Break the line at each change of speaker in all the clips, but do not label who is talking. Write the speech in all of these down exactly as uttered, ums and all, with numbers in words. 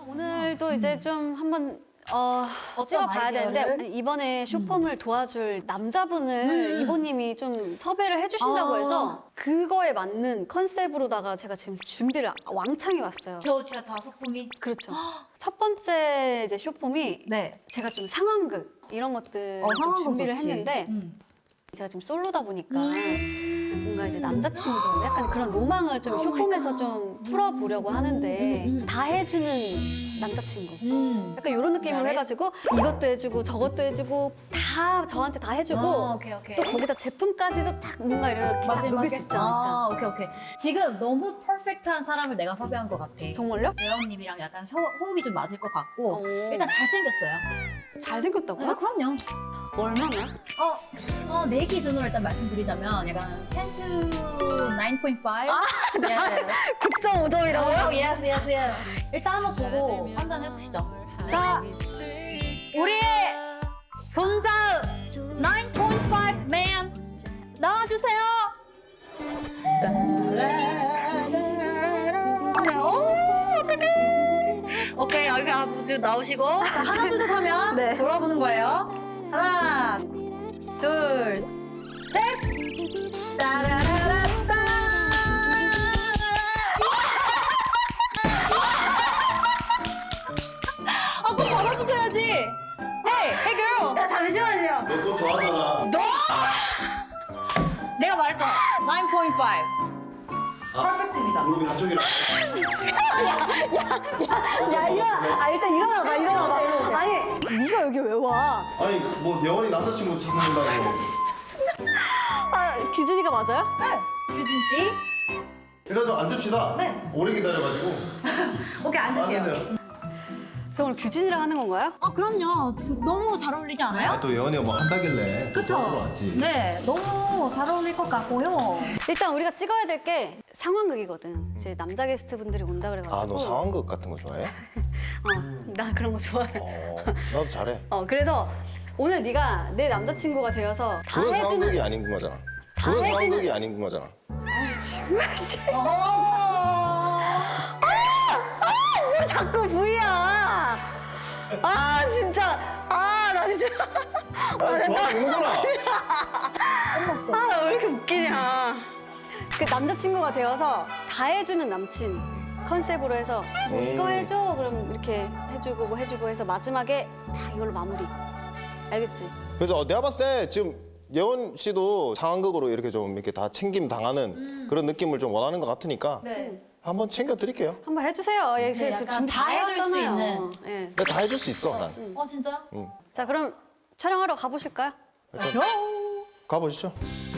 오늘도 이제 좀 한번 어, 찍어봐야
아이디어를?
되는데 이번에 쇼폼을 도와줄 남자분을
음.
이보님이 좀 섭외를 해주신다고
아.
해서 그거에 맞는 컨셉으로다가 제가 지금 준비를 왕창 해왔어요.
저 진짜 다섯 봄이.
그렇죠. 첫 번째 이제 쇼폼이
네.
제가 좀 상황극 이런 것들
어,
좀
상황극
준비를
좋지.
했는데
음.
제가 지금 솔로다 보니까 뭔가 이제 남자친구 약간 그런 로망을 좀 쇼폼에서 좀 풀어보려고 하는데 다 해주는 남자친구
음.
약간 이런 느낌으로
그다음에?
해가지고 이것도 해주고 저것도 해주고 다 저한테 다 해주고
아, 오케이, 오케이.
또 거기다 제품까지도 딱 뭔가 이렇게 딱 녹일 수 있지 않을까.
아, 오케이, 오케이. 지금 너무 퍼펙트한 사람을 내가 섭외한 것 같아.
정말요?
예원님이랑 약간 호, 호흡이 좀 맞을 것 같고
오.
일단 잘생겼어요.
잘생겼다고요?
아, 그럼요.
얼마나?
어, 어, 내 기준으로 일단 말씀드리자면 약간 텐 to 나인 포인트 파이브? 아, 네.
구 점 오 점이라고요?
오, 예스, 예스, 예스. 일단 한번 보고 판단해 보시죠. 자, 우리의 손자 나인 포인트 파이브 맨 나와주세요. 오, 오케이, 여기 아버지 나오시고 자, 하나 둘 셋 하면
네.
돌아보는 거예요. 하나, 둘, 셋. 따라라라따. 아, 꼭 받아주셔야지. Hey, hey girl. 야, 잠시만요.
너 그거 더 하잖아.
내가 말했잖아. 나인 포인트 파이브. 퍼펙트입니다.
무릎이 한쪽이라.
야, 일어나. 아, 일단 일어나봐, 일어나봐. 아니, 네가 여기 왜 와?
아니 뭐 영원히 남자친구 찾는다고.
아, 규진이가 맞아요?
네. 유진 씨.
일단 좀 앉읍시다.
네.
오래 기다려가지고.
오케이, 앉을게요.
앉으세요.
저 오늘 규진이랑 하는 건가요?
아, 그럼요. 두- 너무 잘 어울리지 않아요?
또 예원이가 뭐 한다길래.
그쵸?
왔지.
네, 너무 잘 어울릴 것 같고요.
일단 우리가 찍어야 될 게 상황극이거든. 이제 남자 게스트 분들이 온다 그래가지고.
아 너 상황극 같은 거 좋아해?
어, 나 그런 거 좋아해.
어 나도 잘해.
어, 그래서 오늘 네가 내 남자친구가 되어서 다
그건
해주는.
상황극이 아닌 거잖아.
다
그건
해주는-
상황극이 아닌 거잖아.
아이, 정말 씨.
어...
왜 자꾸 V야? 아 진짜. 아 나 진짜.
아 좋아하는구나.
아 왜 이렇게 웃기냐. 그 남자친구가 되어서 다 해주는 남친 컨셉으로 해서 뭐
음.
이거 해줘 그럼 이렇게 해주고 뭐 해주고 해서 마지막에 딱 이걸로 마무리. 알겠지?
그래서 내가 봤을 때 지금 예원 씨도 상황극으로 이렇게 좀 이렇게 다 챙김 당하는 그런 느낌을 좀 원하는 것 같으니까
네.
한번 챙겨 드릴게요.
한번 해주세요. 예, 지금
약간
준비
다 해줄 수
해왔잖아요.
있는.
예.
내가 다 해줄 수 있어 난.
어, 진짜요?
자 그럼 촬영하러 가보실까요?
가보시죠.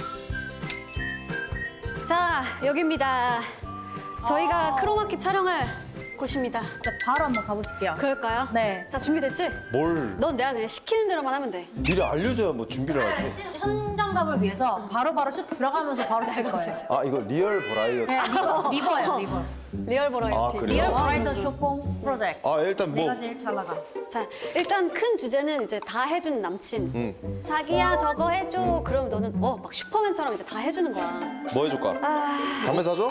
자 여기입니다. 저희가 크로마키 촬영할 곳입니다.
자, 바로 한번 가보실게요.
그럴까요?
네.
자 준비됐지?
뭘
넌 내가 그냥 시키는 대로만 하면 돼.
미리 알려줘야 뭐 준비를 하지.
현장감을 위해서 바로바로 슛 들어가면서 바로 찍을 거예요.
아 이거 리얼 버라이어티.
네, 리버, 리버예요, 리버.
리얼 버라이어티.
아, 그래요?
리얼 버라이더 쇼폼 프로젝트.
아 일단 뭐
내가 제일 잘 나가.
자 일단 큰 주제는 이제 다 해준 남친.
음.
자기야 저거 해줘. 그럼 너는 어 막 슈퍼맨처럼 이제 다 해주는 거야.
뭐 해줄까? 담배 사줘?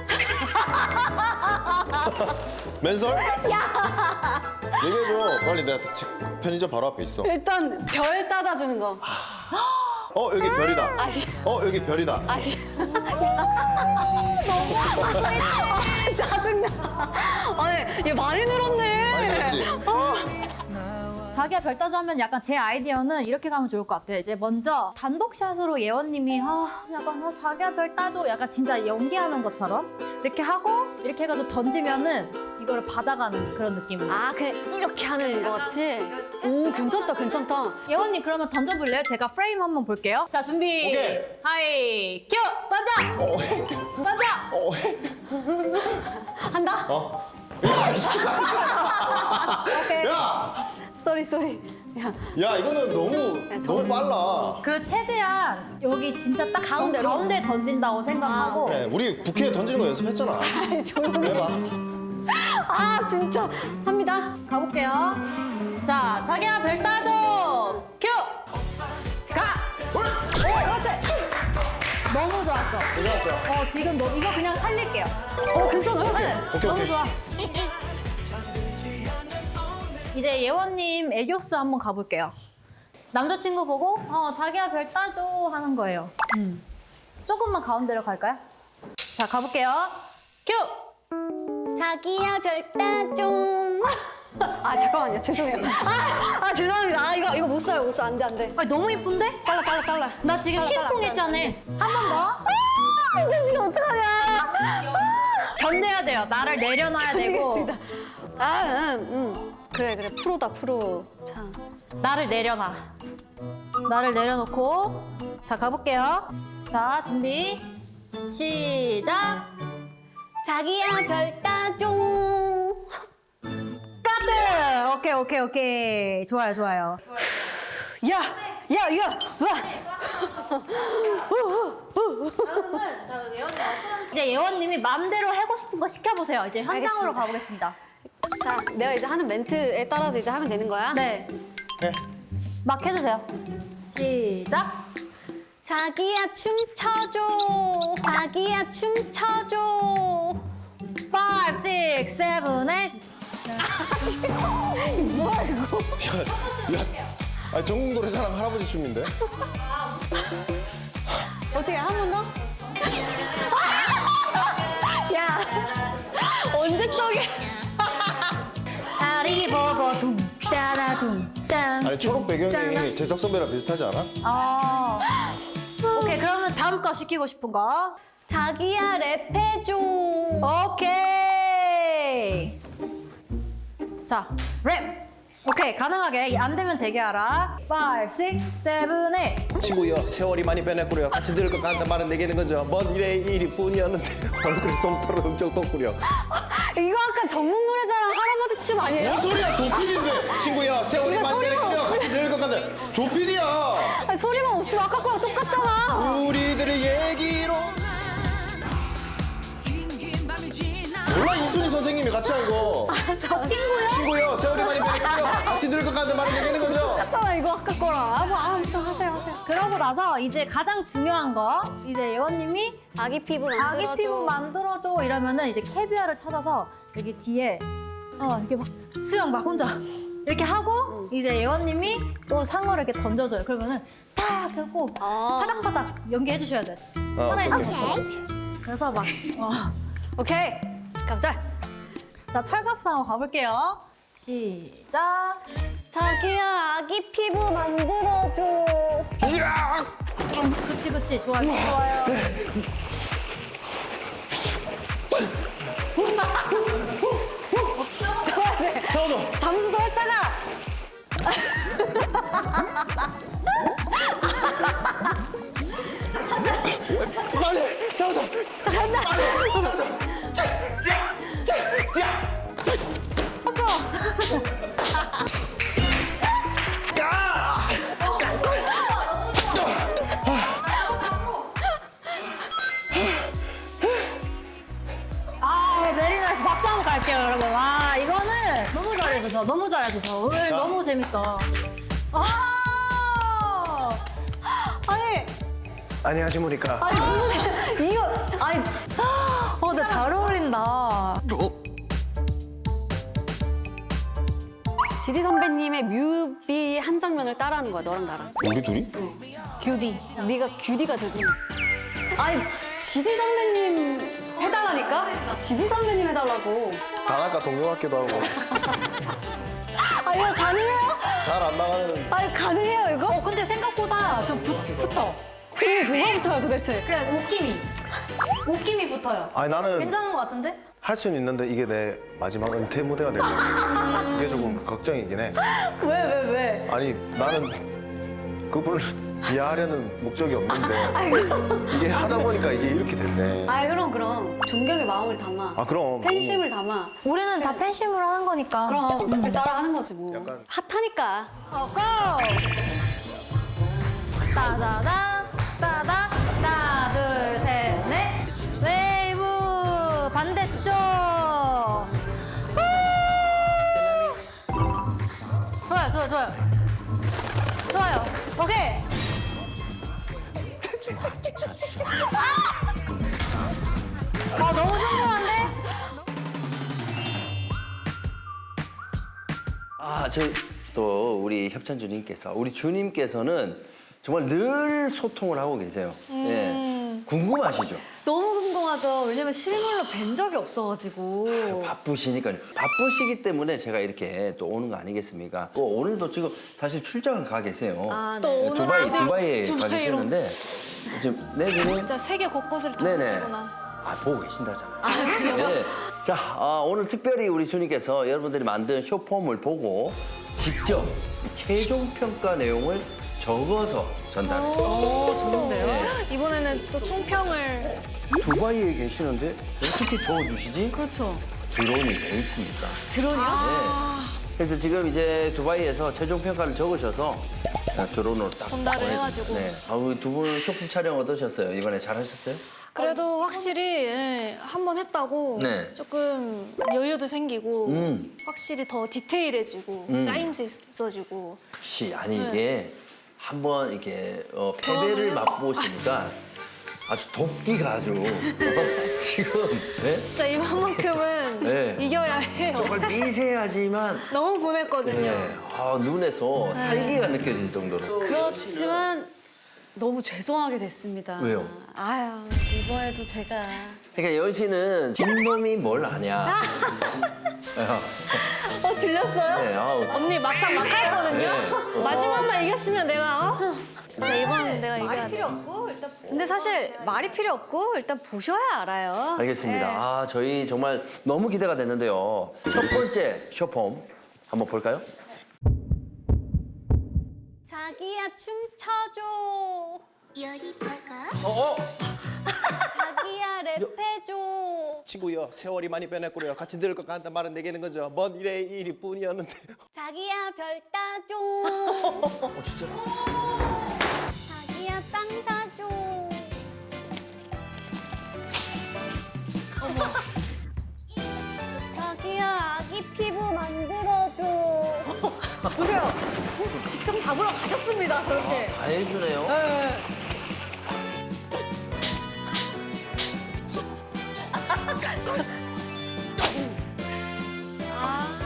맨설? 야! 얘기해줘. 빨리 내가 지금 편의점 바로 앞에 있어.
일단 별 따다주는 거.
어 여기 별이다.
아니.
어 여기 별이다.
아니. 아, 짜증나. 아니 얘 많이 늘었네.
많이 늘었지?
자기가 별 따져 하면 약간 제 아이디어는 이렇게 가면 좋을 것 같아요. 이제 먼저 단독샷으로 예원님이 아 약간 어, 자기가 별 따줘 약간 진짜 연기하는 것처럼 이렇게 하고 이렇게 해가지고 던지면은 이거를 받아가는 그런 느낌으로.
아 그냥 이렇게 하는 거 같지? 오 괜찮다 괜찮다.
예원님 그러면 던져볼래요? 제가 프레임 한번 볼게요. 자 준비.
오케이.
하이 큐 던져.
어.
던져.
어.
한다?
어.
오케이.
야!
쏘리 쏘리. 야
야 이거는 너무
야, 저-
너무 빨라.
그 최대한 여기 진짜 딱
가운데로?
가운데 던진다고 생각하고.
네, 우리 부캐 던지는 거 연습했잖아.
조용히.
해봐.
아 진짜 합니다.
가볼게요. 자, 자기야 별 따줘. 큐. 가.
오 그렇지.
너무 좋았어.
괜찮았죠?
어 지금 너 이거 그냥 살릴게요.
어 괜찮아요?
네.
오케이,
너무
오케이.
좋아. 이제 예원님 애교스 한번 가볼게요. 남자친구 보고 어 자기야 별 따줘 하는 거예요. 음. 조금만 가운데로 갈까요? 자 가볼게요. 큐!
자기야 별 따줘. 아 잠깐만요 죄송해요. 아, 아 죄송합니다. 아 이거 이거 못 써요 못 써. 안돼 안돼.
아 너무 예쁜데?
잘라 잘라 잘라.
나 지금
잘라, 잘라,
심쿵했잖아. 한 번 더.
아 이거 지금 어떡하냐.
견뎌야 돼요. 나를 내려놔야 되고
알겠습니다. 아 음, 음. 그래 그래 프로다 프로. 참.
나를 내려놔. 나를 내려놓고 자 가볼게요. 자 준비 시작.
자기야 별 따줘.
까드. 오케이 오케이 오케이 좋아요 좋아요.
야, 야, 야, 와.
이제 예원님이 마음대로 하고 싶은 거 시켜보세요. 이제 현장으로
알겠습니다.
가보겠습니다.
자, 내가 이제 하는 멘트에 따라서 이제 하면 되는 거야?
네,
네.
막 해주세요. 시작.
자기야 춤춰줘. 자기야 춤춰줘.
오, 육, 칠, 칠, 팔.
야, 야, 아 전국 노래자랑 할아버지 춤인데?
어떻게 한 번 더? 야, 언제적인?
아리 보고 둥 따라 둥 땅.
아니 초록 배경이 재석 선배랑 비슷하지 않아?
아, 오케이 그러면 다음 거 시키고 싶은 거.
자기야 랩해줘.
오케이. 자, 랩. 오케이 가능하게 안 되면 대기하라. 오, 육, 칠, 팔.
친구여 세월이 많이 변했구려 같이 들을 것 같단 말은 내게는 거죠 먼 일의 일이뿐이었는데 얼굴에 솜털은 엄청 떴구려
이거 아까 전국 노래자랑 할아버지 춤 아니에요?
뭔 소리야 조피디인데 친구야 세월이
이거
많이
소리가
변했구려
없으면-
같이 들을 것 같단 조피디야
아니, 소리만 없으면 아까 거랑 똑같잖아.
우리들의 얘기로 몰라 이순희 선생님이 같이 한 거
어, 친구요?
친구여 세월이 많이 변했구려 같이 들을 것 같단 말은 내게는 거죠
똑같잖아 이거 아까 거랑. 아, 뭐, 아무튼 하세요 하세요.
그러고 나서 이제 가장 중요한 거 이제 예원님이
아기 피부 만들어줘.
아기 피부 만들어줘 이러면은 이제 캐비아를 찾아서 여기 뒤에 어 이렇게 막 수영 막 혼자 이렇게 하고 이제 예원님이 또 상어를 이렇게 던져줘요. 그러면은 탁 하고
아.
파닥파닥 연기해 주셔야 돼.
어,
살아있는
오케이,
것처럼.
오케이.
그래서 막 어.
오케이. 가보자.
자 철갑상어 가볼게요. 시작.
자기야 아기 피부 만들어줘.
그치 그치 좋아요 좋아요.
세워줘
잠수도 했다가.
빨리 세워줘
자 간다.
아 내리면서 박수 한번 갈게요 여러분. 와 이거는 너무 잘해서 너무 잘해서 오늘
자.
너무 재밌어. 아
아니
안녕하십니까
아니 무슨 이거 아니.
어, 근데 잘 어울린다.
지지 선배님의 뮤비 한 장면을 따라하는 거야 너랑 나랑.
우리 둘이?
큐디.
네가 규디가 돼줘. 아니 지지 선배님 해달라니까? 지지 선배님 해달라고.
단아까 동료 같기도 하고
아 이거 가능해요?
잘 안 나가는
아니 가능해요 이거?
어, 근데 생각보다 좀 붙, 붙어.
그게 뭐가 붙어요 도대체?
그냥 옷김이. 옷김이 붙어요.
아니 나는
괜찮은 것 같은데?
할 수는 있는데 이게 내 마지막 은퇴 무대가 될 거야 그게 조금 걱정이긴 해
왜 왜 왜?
아니 나는 그분을 이해하려는 목적이 없는데 이게 하다 보니까 이게 이렇게 됐네
아이 그럼 그럼 존경의 마음을 담아.
아 그럼
팬심을 담아.
우리는 다 팬심으로 하는 거니까.
그럼 그렇게 따라하는 거지 뭐.
약간-
핫하니까.
어, 고! 따다다, 따다, 하나, 둘, 셋, 넷. 웨이브 반대쪽. 후! 좋아요, 좋아요, 좋아요. 좋아요. 오케이. 아, 너무 신기한데?
아, 저 또 우리 협찬 주님께서 우리 주님께서는 정말 늘 소통을 하고 계세요. 예. 궁금하시죠?
너무 궁금하죠. 왜냐면 실물로 뵌 적이 없어가지고.
바쁘시니까요. 바쁘시기 때문에 제가 이렇게 또 오는 거 아니겠습니까? 또 오늘도 지금 사실 출장을 가 계세요.
아,
또
네.
오늘
두바이,
어디로?
두바이에 가
두바이로.
계시는데 지금 네 주님.
진짜 세계 곳곳을 다
네네.
보시구나.
아, 보고 계신다잖아요.
아, 그래요?
네. 자, 아, 오늘 특별히 우리 주님께서 여러분들이 만든 쇼폼을 보고 직접 이 최종 평가 내용을 적어서 전달해요.
오, 좋은데요?
네.
이번에는 또 총평을
두바이에 계시는데 어떻게 적어주시지?
그렇죠.
드론이 돼 있습니까?
드론이요?
네. 그래서 지금 이제 두바이에서 최종 평가를 적으셔서 드론으로 딱
전달을
보내주-
해가지고.
네. 아, 두분 쇼폼 촬영 어떠셨어요? 이번에 잘하셨어요?
그래도 확실히 예, 한 번 했다고
네.
조금 여유도 생기고
음.
확실히 더 디테일해지고
음.
짜임새 있어지고
혹시 아니
네.
이게 한번 이게 어, 패배를 맛보시니까 아주 돕기가 아주 지금 네?
진짜 이번만큼은
네.
이겨야 해요.
정말 미세하지만
너무 보냈거든요.
네. 아, 눈에서 살기가 느껴질 정도로
그렇지만 너무 죄송하게 됐습니다.
왜요?
아유, 이번에도 제가.
그러니까 여은 씨는 진놈이 뭘 아냐.
어, 들렸어요?
네, 아우.
언니 막상 막하였거든요.
네.
마지막만 이겼으면 내가 어? 진짜 이번은 내가 이겨야
말이
돼.
필요 없고, 일단. 근데 사실 말이 필요 없고, 일단 보셔야 알아요.
알겠습니다.
네.
아, 저희 정말 너무 기대가 됐는데요. 첫 번째 쇼폼 한번 볼까요?
자기야, 춤춰줘.
어, 어.
자기야, 랩해줘.
친구요, 세월이 많이 변했고요. 같이 늙을 것 같다 말은 내게는 거죠. 먼 일의 일이 뿐이었는데.
자기야, 별 따줘.
어, 진짜.
자기야, 땅 사줘. 자기야, 아기 피부 만들어줘. 보세요. 직접 잡으러 가셨습니다, 저렇게.
다 해주네요.
아.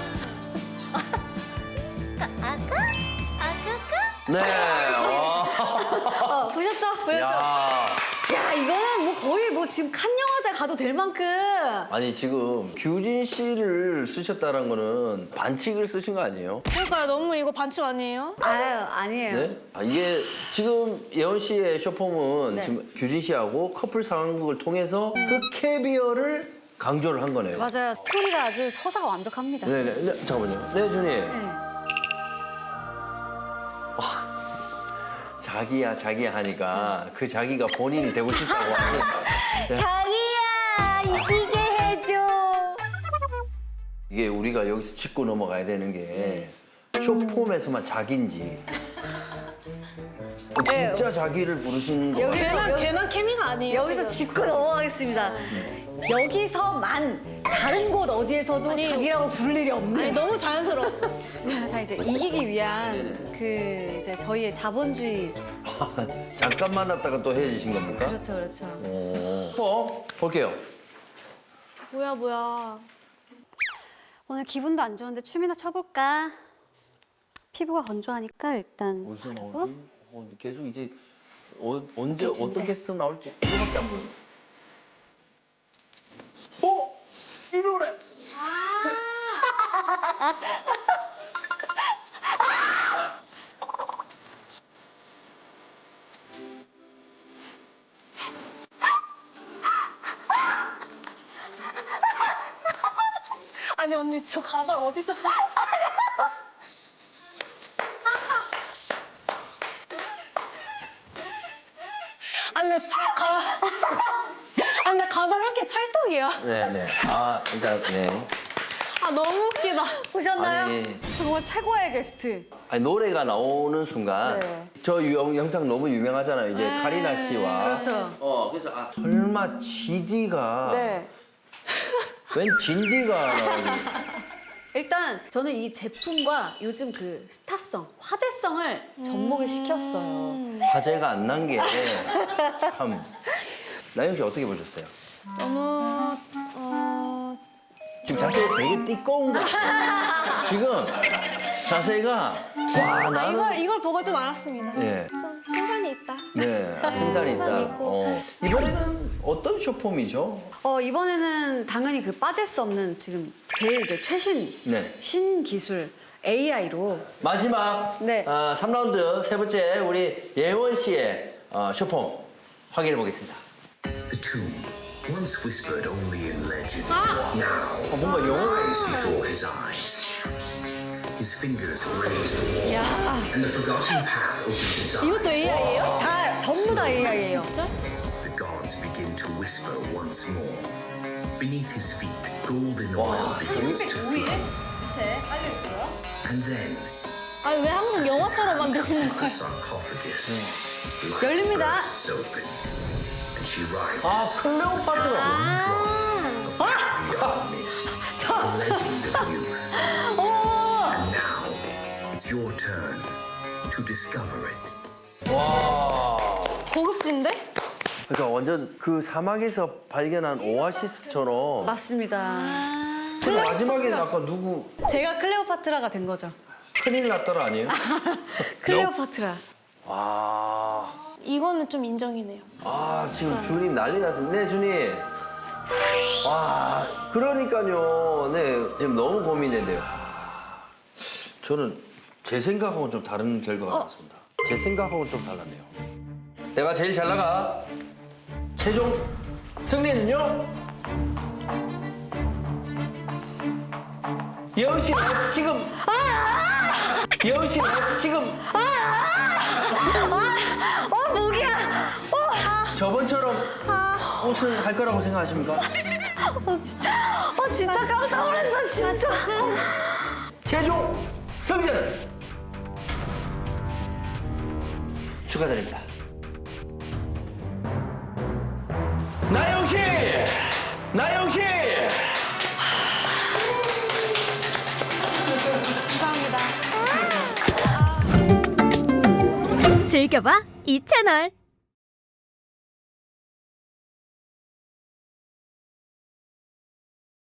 아까? 아까까?
네. 와.
어, 보셨죠? 보셨죠?
야.
야, 이거는 뭐 거의 뭐 지금 칸 영화제 가도 될 만큼.
아니 지금 규진 씨를 쓰셨다는 거는 반칙을 쓰신 거 아니에요?
그러니까요. 너무 이거 반칙 아니에요?
아유, 아니에요.
네? 아, 이게 지금 예원 씨의 쇼폼은
네.
지금 규진 씨하고 커플 상황극을 통해서 그 캐비어를 강조를 한 거네요.
맞아요. 스토리가 아주 서사가 완벽합니다.
네네. 네, 잠깐만요. 네, 준이.
네.
자기야, 자기야 하니까 그 자기가 본인이 되고 싶다고 하니. 네.
자기야, 이기게 해줘.
이게 우리가 여기서 짚고 넘어가야 되는 게 쇼폼에서만 자기인지 어,
네.
진짜 자기를 부르신 거 같아요.
걔는 걔는 케미가 아니에요.
여기서
지금.
짚고 넘어가겠습니다. 여기서만 다른 곳 어디에서도
아니,
자기라고 부를 일이
아니
없는.
너무 자연스러웠어.
다 이제 이기기 위한 그 이제 저희의 자본주의.
잠깐 만났다가 또 헤어지신 겁니까?
그렇죠, 그렇죠.
어, 어, 볼게요.
뭐야 뭐야.
오늘 기분도 안 좋은데 춤이나 춰볼까? 피부가 건조하니까 일단.
어디서 나오지? 어, 계속 이제 어, 언제 어떤 게스트 나올지 이거밖에 안 보여. 어? 이 노래.
아니 언니 저 가발 어디서? 아니 나 가. 아니 나 가발 한 개 찰떡이야.
네네. 아 일단 네.
아 너무 웃기다.
보셨나요?
아니.
정말 최고의 게스트.
아니 노래가 나오는 순간
네.
저 유- 영상 너무 유명하잖아요. 이제
네,
카리나 씨와.
그렇죠.
어 그래서 아 설마 지디가
네.
웬 진디가 나오지?
일단 저는 이 제품과 요즘 그 스타성, 화제성을 접목을 시켰어요.
화제가 안 난 게 참. 나영 씨 어떻게 보셨어요?
너무 어
지금 자세가 되게 띠꺼운 거 같아요. 지금 자세가 와
아,
나는
이걸 이걸 보고 좀 알았습니다.
예.
좀 승산이 있다.
네, 아, 승산이 있다.
승산이 있고.
어. 이번에는 어떤 쇼폼이죠?
어, 이번에는 당연히 그 빠질 수 없는 지금 제일 이제 최신
네.
신기술 에이아이로
마지막
네.
아, 삼 라운드 세 번째 우리 예원 씨의 어, 쇼폼 확인해 보겠습니다.
The tomb, once whispered only in legend,
어,
now
뭔가 영어
lies before his eyes. His fingers raise the wall, and the forgotten path opens its eyes.
이것도 에이아이예요?
다 전부 다 에이아이예요.
진짜?
The gods begin to whisper once more. Beneath his feet, golden oil begins to flow. And then,
아니 왜 항상 영화처럼 만드시는
the
거예요?
sarcophagus, light
열립니다.
bursts open, and she rises.
아 클레오파트라.
One drop of caviar mist, a legend of youth. And now, it's your turn to discover it.
와.
고급진데?
그러니까 완전 그 사막에서 발견한 오아시스처럼.
맞습니다.
근데 마지막에는 아까 누구
제가 클레오파트라가 된 거죠.
큰일 났더라 아니에요?
클레오파트라.
와.
이거는 좀 인정이네요.
아 지금 주님 난리 났습니다. 네 주님. 와 그러니까요. 네 지금 너무 고민된대요. 저는 제 생각하고는 좀 다른 결과가 나왔습니다. 제 생각하고는 좀 달랐네요. 내가 제일 잘 나가. 최종 승리는요. 예원 씨 나 지금. 예원 씨 나 지금.
어, 목이야.
저번처럼 우승할 거라고 생각하십니까?
어, 진짜 깜짝 놀랐어, 진짜.
최종 승자는 축하드립니다. 나영 씨, 나영 씨.
감사합니다.
즐겨봐 이 채널.